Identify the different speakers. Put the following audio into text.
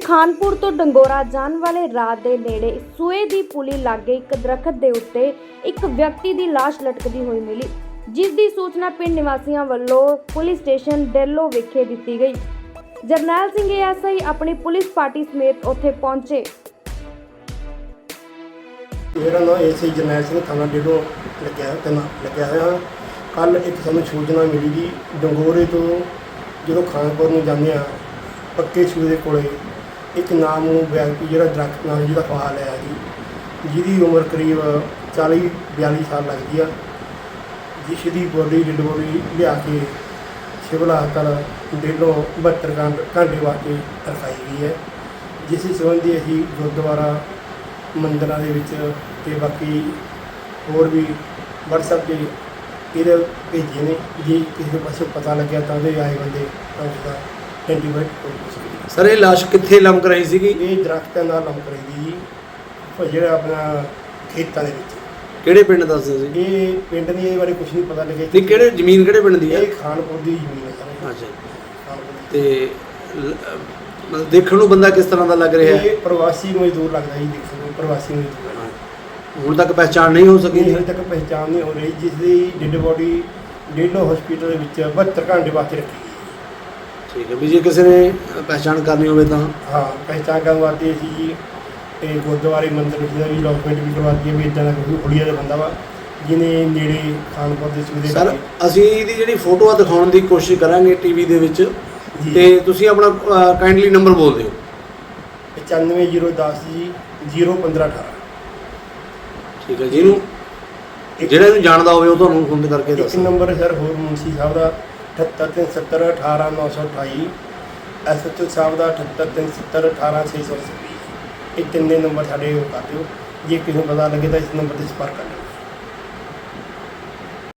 Speaker 1: ਖਾਨਪੁਰ ਤੋਂ ਡੰਗੋਰਾ ਜਾਣ ਵਾਲੇ ਰਾਹ ਦੇ ਨੇੜੇ ਸੂਏ ਦੀ ਪੁਲੀ ਲਾਗੇ ਇੱਕ ਦਰਖਤ ਦੇ ਉੱਤੇ ਇੱਕ ਵਿਅਕਤੀ ਦੀ ਲਾਸ਼ ਲਟਕਦੀ ਹੋਈ ਮਿਲੀ, ਜਿਸ ਦੀ ਸੂਚਨਾ ਪਿੰਡ ਨਿਵਾਸੀਆਂ ਵੱਲੋਂ ਪੁਲਿਸ ਸਟੇਸ਼ਨ ਡੇਲੋ ਵਿਖੇ ਦਿੱਤੀ ਗਈ। ਜਰਨੈਲ ਸਿੰਘ ਐਸਆਈ ਆਪਣੀ ਪੁਲਿਸ ਪਾਰਟੀ ਸਮੇਤ ਉੱਥੇ ਪਹੁੰਚੇ।
Speaker 2: मेरा नाम एसआई जरनैल सिंह थाना डेलो लग्या होया। कल एक सानू सूचना मिली जी डंगोरे तो जो खानपुर में जाने पक्के सूए के कोले एक नाम व्यक्ति जो दरख्त नाम जिसका फाल है जी, जिसकी उम्र करीब 40-42 साल लगती है, जिसकी बॉडी डेड बॉडी लिया के सिविल हस्पताल डेलो 72 घंटे वास्ते रखाई गई है। जिस संबंधी असी गुरुद्वारा ਮੰਦਰਾਂ ਦੇ ਵਿੱਚ ਤੇ ਬਾਕੀ ਹੋਰ ਵੀ WhatsApp 'ਤੇ ਇਹਦੇ ਭੇਜੇ ਨੇ। ਜੇ ਕਿਸੇ ਪਾਸੇ ਪਤਾ ਲੱਗਿਆ ਤਾਂ ਉਹਦੇ ਆਏ ਬੰਦੇ ਤਾਂ ਉਸਦਾ ਆਇਡੈਂਟੀਫਾਈ ਹੋ ਸਕਦਾ।
Speaker 3: ਸਰ ਇਹ ਲਾਸ਼ ਕਿੱਥੇ ਲੰਮਕ ਰਹੀ ਸੀਗੀ?
Speaker 2: ਇਹ ਦਰਖਤਾਂ ਨਾਲ ਲੰਮਕ ਰਹੀ ਜੀ, ਉਹ ਜਿਹੜਾ ਆਪਣਾ ਖੇਤਾਂ ਦੇ ਵਿੱਚ।
Speaker 3: ਕਿਹੜੇ ਪਿੰਡ ਦੱਸਦੇ ਸੀ?
Speaker 2: ਇਹ ਪਿੰਡ ਦੀ ਇਹ ਬਾਰੇ ਕੁਝ ਨਹੀਂ ਪਤਾ ਲੱਗਿਆ।
Speaker 3: ਨਹੀਂ, ਕਿਹੜੇ ਜ਼ਮੀਨ ਕਿਹੜੇ ਪਿੰਡ ਦੀ ਹੈ?
Speaker 2: ਇਹ ਖਾਨਪੁਰ ਦੀ ਜ਼ਮੀਨ ਹੈ ਸਰ।
Speaker 3: ਅੱਛਾ।
Speaker 2: ਖਾਨਪੁਰ
Speaker 3: ਤੇ ਮਤਲਬ ਦੇਖਣ ਨੂੰ ਬੰਦਾ ਕਿਸ ਤਰ੍ਹਾਂ ਦਾ ਲੱਗ ਰਿਹਾ ਹੈ?
Speaker 2: ਇਹ ਪ੍ਰਵਾਸੀ ਮਜ਼ਦੂਰ ਲੱਗਦਾ ਜੀ, ਦੇਖੋ ਪ੍ਰਵਾਸੀ ਮਜ਼ਦੂਰ।
Speaker 3: ਹੁਣ ਤੱਕ ਪਹਿਚਾਣ ਨਹੀਂ ਹੋ ਸਕੀ?
Speaker 2: ਹਜੇ ਤੱਕ ਪਹਿਚਾਣ ਨਹੀਂ ਹੋ ਰਹੀ, ਜਿਸ ਦੀ ਡੈਡ ਬੋਡੀ ਡੇਲੋ ਹਸਪੀਟਲ ਦੇ ਵਿੱਚ 72 ਘੰਟੇ ਵਾਸਤੇ ਰੱਖੀ ਗਈ।
Speaker 3: ਠੀਕ ਹੈ ਵੀ ਜੇ ਕਿਸੇ ਨੇ ਪਹਿਚਾਣ ਕਰਨੀ ਹੋਵੇ ਤਾਂ?
Speaker 2: ਹਾਂ, ਪਹਿਚਾਣ ਕਰਨ ਵਾਸਤੇ ਅਸੀਂ ਜੀ ਇਹ ਗੁਰਦੁਆਰੇ ਮੰਦਿਰ ਵਿੱਚ ਦਾ ਵੀ ਡਾਕੂਮੈਂਟ ਵੀ ਕਰਵਾਤੀ ਹੈ ਵੀ ਇੱਦਾਂ ਦਾ ਕੋਈ ਹੁਲੀਆ ਦਾ ਬੰਦਾ ਵਾ ਜਿਹਨੇ ਨੇੜੇ ਖਾਨਪੁਰ ਦੇ ਸੂਏ
Speaker 3: ਸਰ ਅਸੀਂ ਇਹਦੀ ਜਿਹੜੀ ਫੋਟੋ ਆ ਦਿਖਾਉਣ ਦੀ ਕੋਸ਼ਿਸ਼ ਕਰਾਂਗੇ ਟੀਵੀ ਦੇ ਵਿੱਚ, ਤੇ ਤੁਸੀਂ ਆਪਣਾ ਕਾਈਂਡਲੀ ਨੰਬਰ ਬੋਲ ਦਿਓ।
Speaker 2: 9510 ਜੀ 01518।
Speaker 3: ਠੀਕ ਹੈ, ਜਿਹਨੂੰ ਜਿਹੜਾ ਇਹਨੂੰ ਜਾਣਦਾ ਹੋਵੇ ਉਹ ਤੁਹਾਨੂੰ ਫੋਨ ਕਰਕੇ
Speaker 2: ਇੱਕ
Speaker 3: ਦੱਸੋ।
Speaker 2: ਨੰਬਰ ਸਰ ਹੋਰ ਮੁਨਸੀ ਸਾਹਿਬ ਦਾ 78370 18928, SHO ਸਾਹਿਬ ਦਾ 78370 18626। ਇਹ ਤਿੰਨੇ ਨੰਬਰ ਸਾਡੇ ਉਹ ਕਰ ਦਿਓ। ਜੇ ਕਿਸੇ ਨੂੰ ਪਤਾ ਲੱਗੇ ਤਾਂ ਇਸ ਨੰਬਰ 'ਤੇ ਸੰਪਰਕ ਕਰ ਲਿਓ।